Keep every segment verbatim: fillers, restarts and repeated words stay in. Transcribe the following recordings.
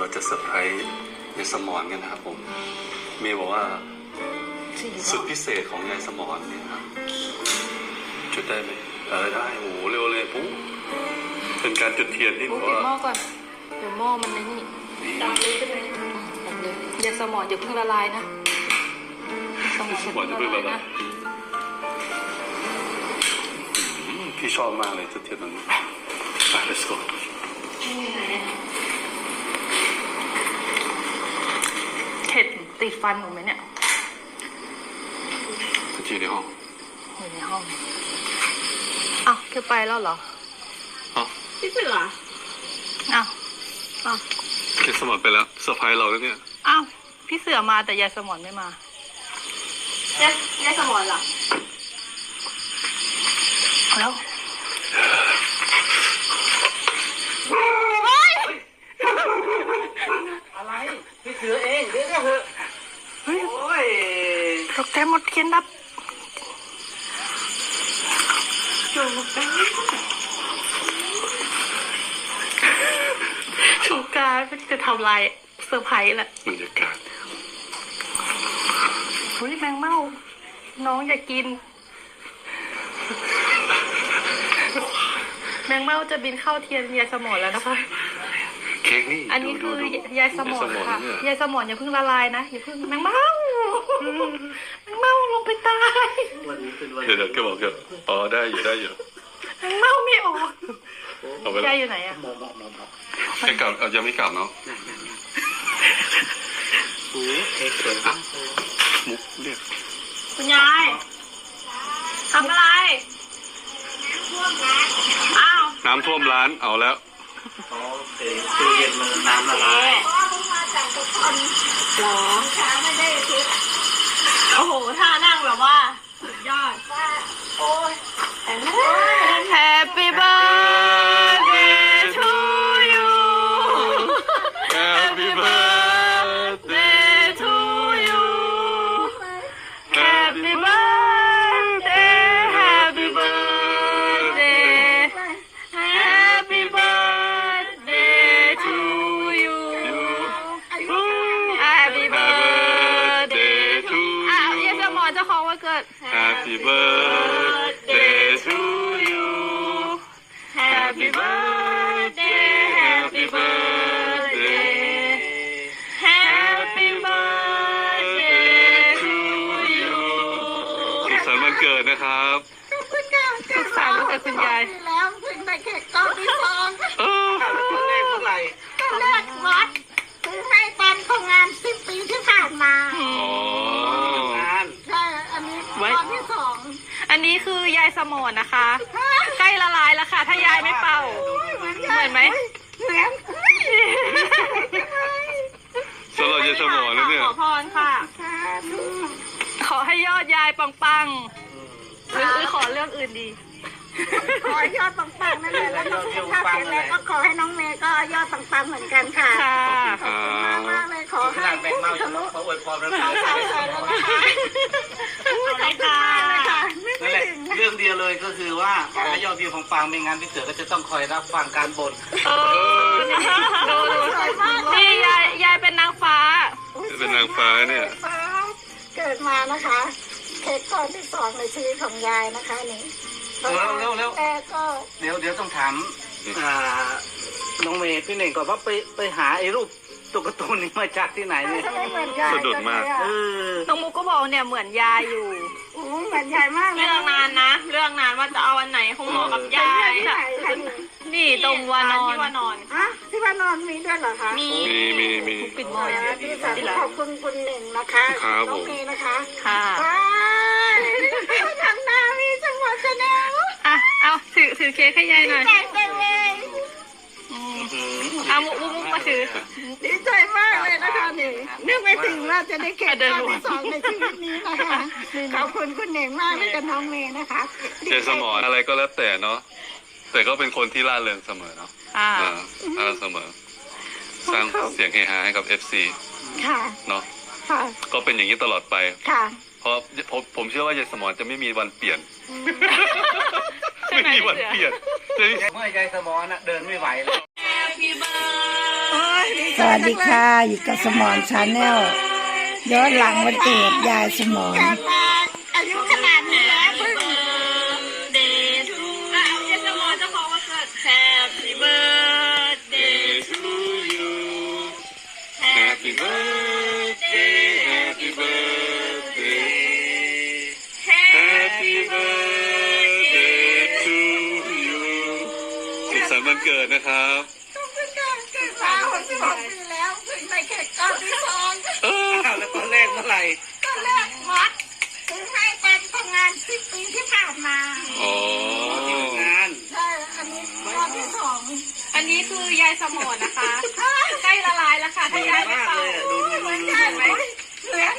จะเซอร์ไพรส์ยายสมรกันนะครับผมเมย์บอกว่าสุดพิเศษของยายสมรเนี่ยครับจุดได้ไหมเออได้โอ้โหเร็วเลยปุ๊บเป็นการจุดเทียนที่บอกว่าหม้อก่อนเดี๋ยวหม้อมันในนี่ดับเลยใช่ไหมดับเลยยายสมรอย่าเพิ่งละลายนะสมรอย่าเพิ่งละลายนะพี่ชอบมากเลยจุดเทียนตรงนี้ไป let's go เห็ดติดฟันหนูไหมเนี่ยจีในห้องอยู่ในห้องอ้าวแค่ไปแล้วเหรออ๋อพี่เสืออ้าวอ้าวเคสมอนไปแล้วเซอร์ไพรส์เราแล้วเนี่ยอ้าวพี่เสือมาแต่ยายสมอนไม่มายายยายสมอนเหรอแล้วอะไรพี่เสือเองเดี๋ยวเถอะเฮ้ยโอ้ยตกใจหมดเทียนดับจูบกันชูการจะทำลายเซอร์ไพรส์แหละบรรยากาศเฮ้ยแมงเม่าน้องอยากกินแมงเม่าจะบินเข้าเทียนยายสมรแล้วนะคะเค้กนี่อันนี้คือยายสมรค่ะยายสมรอย่าเพิ่งละลายนะอย่าเพิ่งแมงเม่าแมงเม่าลงไปตายเดี๋ยวเดี๋ยวแกบอกเดี๋ยวอ๋อได้อยู่ได้อยู่แมงเม่าไม่ออกยายอยู่ไหนอะแกกลับเอายังไม่กลับเนาะมุกเรียกคุณยายทำอะไรอ้าวน้ำท่วมร้านเอาแล้วโอเคตู้เย็นมันน้ำละลายหรอโอ้โหท่านั่งแบบว่าสุดยอดโอ้ย Happy birthday to you Happy birthday to you Happy birthday Happy birthday Happy birthday to you Happy birthday to you อ้าวยายสมรเจ้าของวันเกิด Happy birthday to you Happy birthday Happy birthday Happy birthday to you สุขสันต์วันเกิดนะครับสุขสันต์วันเกิดคุณยายแล้วเพิ่งได้เค้กก้อนที่สองคนแรกเท่าไหร่ก็แรกวัดซื้อให้ตอนของงานสิบปีที่ผ่านมาอ๋อใช่อันนี้ก้อนที่สองอันนี้คือยายสมรนะคะใกล้ละลายแล้วค่ะถ้ายายไม่เป่าเหมือนไหมเหมือนสำหรับยายสมรแล้วเนี่ยขอพรค่ะขอให้ยอดยายปังๆหรือขอเรื่องอื่นดีขอยอดปังๆนั่นเลยแล้วก็สุขภาพแข็งแรงก็ขอให้น้องเมย์ก็ยอดปังๆเหมือนกันค่ะขอบคุณมากมากเลยขอให้ผู้ทะลุเขาอวยพรเราสาวสาวสาวนะคะอะไรค่ะนั่นแหละเรื่องเดียวเลยก็คือว่าขอให้ยอดวิวของฟังไม่งั้นพี่เสือก็จะต้องคอยรับฟังการบ่นเออดูดูนี่ยายยายเป็นนางฟ้าเป็นนางฟ้าเนี่ยเกิดมานะคะเค้กก้อนที่สองในชีวิตของยายนะคะนี่เร็วเร็วเร็วแต่ก็เดี๋ยวเดี๋ยวต้องถามน้องเมย์พี่เน่งก่อนว่าไปไปหาไอ้รูปตุ๊กตานี้มาจากที่ไหนเนี่ยสะดุดมากเออน้องมุกก็บอกเนี่ยเหมือนยายอยู่อู้เหมือนยายมากเรื่องนานนะเรื่องนานว่าจะเอาอันไหนคงเหมาะกับยายนี่ตรงวานอนที่วานอนอ่ะที่วานอนมีด้วยเหรอคะมีมีมีปิดบ่อยที่สาธุขอบคุณคุณหนึ่งนะคะน้องเมย์นะคะค่ะทำหน้ามีจังหวะแสดงอ่ะเอาถือถือเค้กให้ยายหน่อยดีใจเลยเอามุกมุกมาถือดีใจมากเลยนะคะนี่นึกไม่ถึงว่าจะได้เค้กก้อนที่สองในชีวิตนี้นะคะขอบคุณคุณหนึ่งมากเลยกับน้องเมย์นะคะยายสมรอะไรก็แล้วแต่เนาะแต่ก็เป็นคนที่ร่าเริงเสมอเนาะอ่าร่าเริงเสมอสร้างเสียงเฮฮาให้กับ เอฟ ซีค่ะเนาะค่ะก็เป็นอย่างนี้ตลอดไปค่ะเพราะผมผมเชื่อว่ายายสมรจะไม่มีวันเปลี่ยนไม่มีวันเปลี่ยนเมื่อยายสมรน่ะเดินไม่ไหวเลย Happy birthday โอ้ยดีใจสวัสดีค่ะ อยู่กับสมอนชาแนลย้อนหลังวันเกิดยายสมอนเกิดมาอายุขนาดนี้แล้วเพิ่งเดย์ทูเอาเยสมอจะขอวันเกิด Happy birthday to you Happy birthday Happy birthday Happy birthday to you สุขสันต์วันเกิดนะครับทุกคนเกิดมาหกสิบหกปีแล้วเพิ่งได้เค้กก้อนที่สองเอออ้าวแล้วตอนแรกเมื่อไหร่ตอนแรกวัดซื้อให้ตอนทำงานสิบปีที่ผ่านมาอ๋องานใช่อันนี้ก้อนที่สองอันนี้คือยายสมอนนะคะ ใกล้ละลายแล้วค่ะเหมืถ้าอนยายไม่มากเป่าเลยอะดูดูดูดูใช่ไหมเหมือน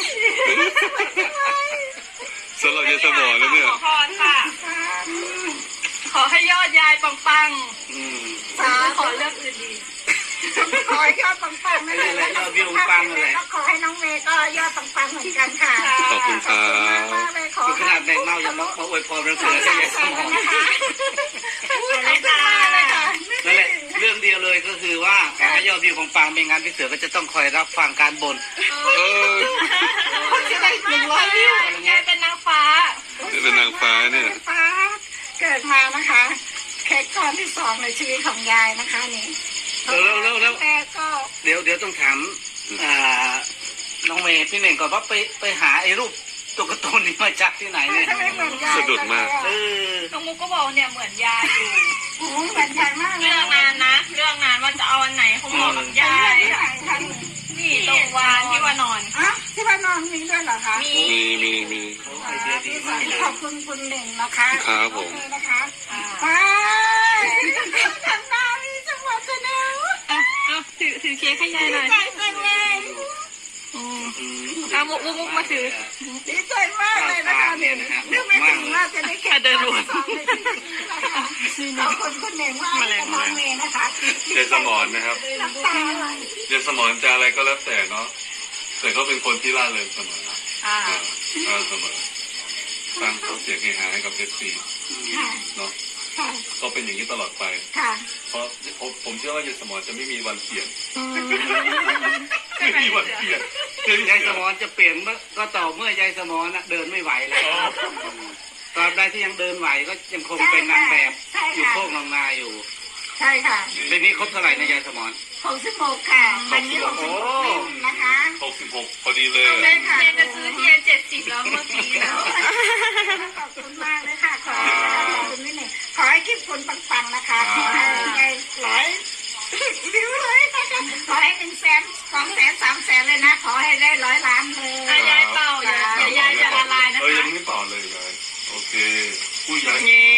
สำหรับยายสมอนแล้วเนี่ยขอพรค่ะ ขอให้ยอดยายปังอืมๆสาขอเลือกอื่นดีขอให้ยอดปังๆนั่นแหละแล้วก็สุขภาพแข็งแรงก็ขอให้น้องเมย์ก็ยอดปังๆเหมือนกันค่ะขอบคุณครับมากๆเลยขอคือขให้นาดแมงเมายังมามาอวยพรวันขอเกิดให้ให้ยายสสามมอนนะคะขอบคุณมากเลยค่ะนั่นแหละเรื่องเดียวเลยก็คือว่าขอให้ยอดวิวปังๆไม่งั้นพี่เสือก็จะต้องคอยรับฟังการบ่นเออจะได้หนึ่งร้อยวิวยายเป็นนางฟ้านี่เป็นนางฟ้าเนี่ยฟ้าเกิดมานะคะเค้กก้อนที่สองในชีวิตของยายนะคะนี่เร็วเร็วเร็วแม่ก็เดี๋ยวเดี๋ยวต้องถามอ่าน้องเมย์พี่เน่งก่อนว่าไปไปหาไอ้รูปตัวการ์ตูนนี้มาจากที่ไหนเนี่ยทำไมเหมือนยายสะดุดมากเออน้องมุกก็บอกเนี่ยเหมือนยายอยู่โอ้ยเหมือนยายมากเลยเรื่องนานนะ เรื่องนานว่าจะเอาอันไหนเขาบอกกับยาย นี่ตรงวานที่ว่านอนอ่ะที่บ้านนอนมีด้วยเหรอคะมีมีมีมีไอเดียดีมากเลยขอบคุณคุณหนึ่งนะคะครับผมโอเคนะคะไปทำหน้ามีจังหวะจะเนาะอ่ะอ่ะถือถือเค้กให้ยายหน่อยใจจังเลยอืมอืมเอามุกมุกมุกมาถือดีใจมากเลยนะคะเนี่ยนึกไม่ถึงว่าจะได้เค้กเดินวนสองในชีวิตนี้นะคะขอบคุณคุณหนึ่งมากเลยน้องเมย์นะคะยายสมอนนะครับน้ำตาไหลยายสมอนจะอะไรก็แล้วแต่เนาะ แต่ก็เป็นคนที่ร่าเริงเสมออ่าอ่าร่าเริงเสมอสร้างเสียงเฮฮาให้กับเอฟซีค่ะเนาะค่ะก็เป็นอย่างนี้ตลอดไปค่ะเพราะผมผมเชื่อว่ายายสมอนจะไม่มีวันเปลี่ยน ไม่มีวันเปลี่ยนคือยายสมอนจะเปลี่ยนเมื่อก็ต่อเมื่อยายสมอนน่ะเดินไม่ไหวแล้วตราบใดที่ยังเดินไหวก็ยังคงเป็นนางแบบอยู่โคกนางนาอยู่ใช่ค่ะปีนี้ครบเท่าไหร่นะยายสมอนหกสิบหกค่ะวันนี้หกสิบหกปีนะคะหกสิบหกพอดีเลยเมย์เมย์จะซื้อเทียนเจ็ดสิบแล้วเมื่อกี้แล้วขอบคุณมากเลยค่ะ ขอให้ขอบคุณนิดหนึ่งขอให้คลิปคุณปังๆนะคะ ขอให้ได้ร้อยวิวเลยนะคะขอให้หนึ่งแสนสองแสนสามแสนเลยนะ ขอให้ได้ร้อยล้านเลยอ่ะยายเป่าอย่าเดี๋ยวยายจะละลายนะเออยัคะงไม่เป่าเลยยายโอเคผู้ใหญ่เย้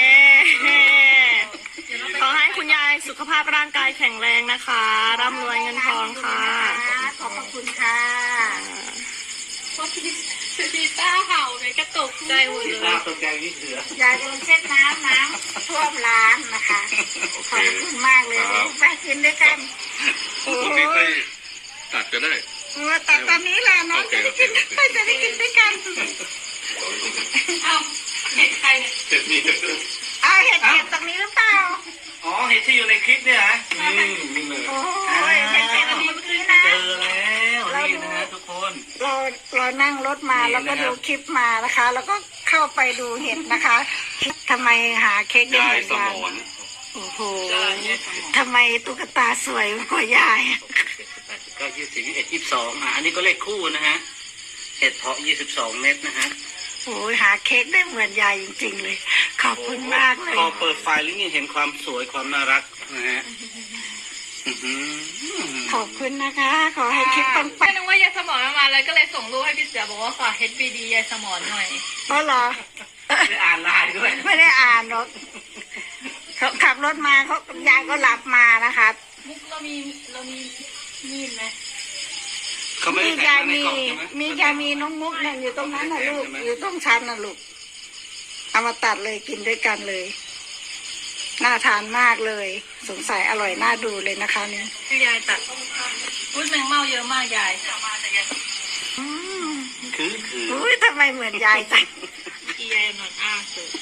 ขอให้คุณยายสุขภาพร่างกายแข็งแรงนะคะร่ำรวยเงินทองค่ะขอบพระคุณค่ะพวกพี่พี่ต้าเห่าเลยก็ตกใจหมดเลยน่าตกใจพี่เสือยายกำลังเช็ดน้ำน้ำท่วมร้านนะคะโอขเคอบคุณมากเลยไปกินด้วยกันพรุ่งนี้ค่อยตัดก็ได้มาตัดตอนนี้แหละน้องจะได้กินไปจะได้กินด้วยกันเอ้าเห็นใครเนี่ยเจ็ดมีเจ็ดเอาเห็ดเห็ดตรงนี้หรือเปล่าอ๋อเห็นที่อยู่ในคลิปเนี่ยนะอืมนี่เลยโอ้ยเห็ดเห็ดอันนี้เมื่อกี้นะเจอแล้วนี่นะฮะทุกคนเราเรานั่งรถมาแล้วก็ดูคลิปมานะคะ แล้วก็เข้าไปดูเห็ดนะคะทำไมหาเค้กได้ยาเหยมือนสกันมอนโอ้โหทำไมตุ๊กตาสวยกว่ายายก็ยี่สิบเอ็ดยี่สิบสองอ่ะอันนี้ก็เลขคู่นะฮะเห็ดเพาะยี่สิบสองเม็ดนะฮะโอ้ยหาเค้กได้เหมือนยายจริงๆเลย ขอบคุณมากเลยพอเปิดไฟล์แล้วนี่เห็นความสวยความน่ารักนะฮะอื้อหือขอบคุณนะคะ ขอให้คลิปปังไม่นึกว่ายายสมอนมาเลยก็เลยส่งรูปให้พี่เสือบอกว่าฝาก เอช บี ดี ยายสมอนหน่อยๆเพราะเหรอได้อ่านไลน์ด้วยไม่ได้อ่านหรอกเขาขับรถมาเขายายก็หลับมานะคะมุกเรามีเรามีมีดไหมเขาไม่มีได้แท็ยาก ยมาในมีกล่องใช่ไหมมียายมีน้องมุกนั่นอยู่ตรงนั้นนะลูกอยู่ตรงชั้นนะลูกเอามาตัดเลยกินด้วยกันเลย น่าทานมากเลย สงสัยอร่อยน่าดูเลยนะคะนี่คือยายตัดอุ้ยแมงเม่าเยอะมากยายอืมคือคืออุ้ยทำไมเหมือนยายจังอียายนอนอ้าสุด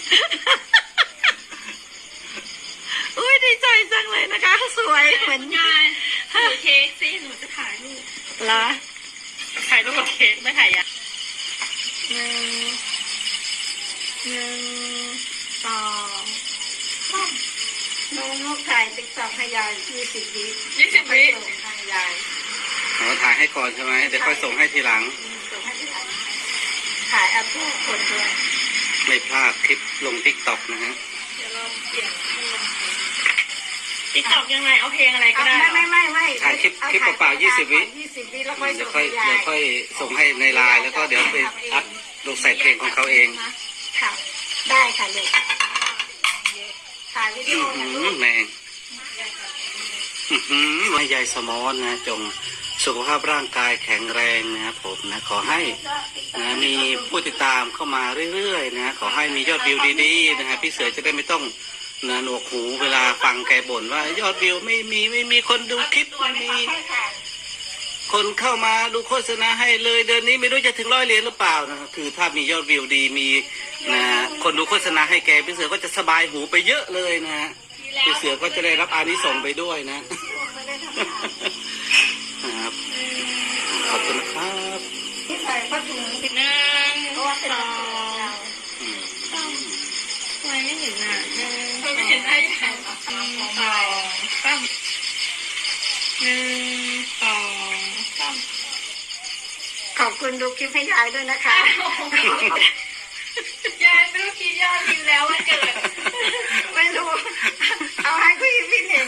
อุ้ยดีใจจังเลยนะคะ สวยเหมือนยายถือเค้กสิหนูจะถ่ายรูปละถ่ายรูปกับเค้กไม่ถ่ายยังหนึ่งหนึ่งสองสามน้องนกถ่ายติ๊กต็อกให้ยายยี่สิบวิยี่สิบวิส่งให้ยายเราถ่ายให้ก่อนใช่ไหมเดี๋ยวค่อยส่งให้ทีหลังส่งให้ที่ไหนถ่ายเอาผู้คนด้วยไม่พลาดคลิปลงทิกตอกนะฮะเดี๋ยวเราเปลี่ยนให้ลงเพลงติ๊กต็อกยังไงเอาเพลงอะไรก็ได้ไม่ไม่ไม่ไม่ถ่ายคลิปคลิปเปล่าๆยี่สิบวิยี่สิบวิแล้วค่อยเดี๋ส่ยวงค่อยให้ยาเดี๋ยวย ค่อยส่งให้ในไลน์แล้วก็เดี๋ยวไปอัพลงใส่เพลงของเขาเองค่ะได้ค่ะลูกถ่ายวิดีอื้โออนะหืลูอก แมงอื้อหือแม่ยายสมอนนะจงสุขภาพร่างกายแข็งแรงนะครับผมนะขอให้นะมีผู้ติดตามเข้ามาเรื่อยๆนะขอให้มียอดวิวดีๆนะฮะพี่เสือจะได้ไม่ต้องนะหนวกหูเวลาฟังแกบ่นว่ายอดวิวไม่มีไม่มีคนดูคลิปไม่มีใช่ค่ะคนเข้ามาดูโฆษณาให้เลยเดือนนี้ไม่รู้จะถึงร้อยเหรียญหรือเปล่านะคือถ้ามียอดวิวดีมีนะคนดูโฆษณาให้แกพี่เสือก็จะสบายหูไปเยอะเลยนะฮะพี่เสือก็จะได้รับอานิสงส์ไปด้วยนะไม่ได้ทำงานครับขอบคุณนะครับที่ใส่ผ้าถุงหนึ่งเพราะว่าเป็นสอเรางสามทำไมไม่เห็นอ่ะหนึ่งไม่เห็นได้ยังไงสองสามหนึ่งสองสามขอบคุณดูคลิปให้ยายด้วยนะคะยายไม่รู้กี่ยอดวิวแล้ววันเกิดไม่รู้ เอาให้คุยพี่เน่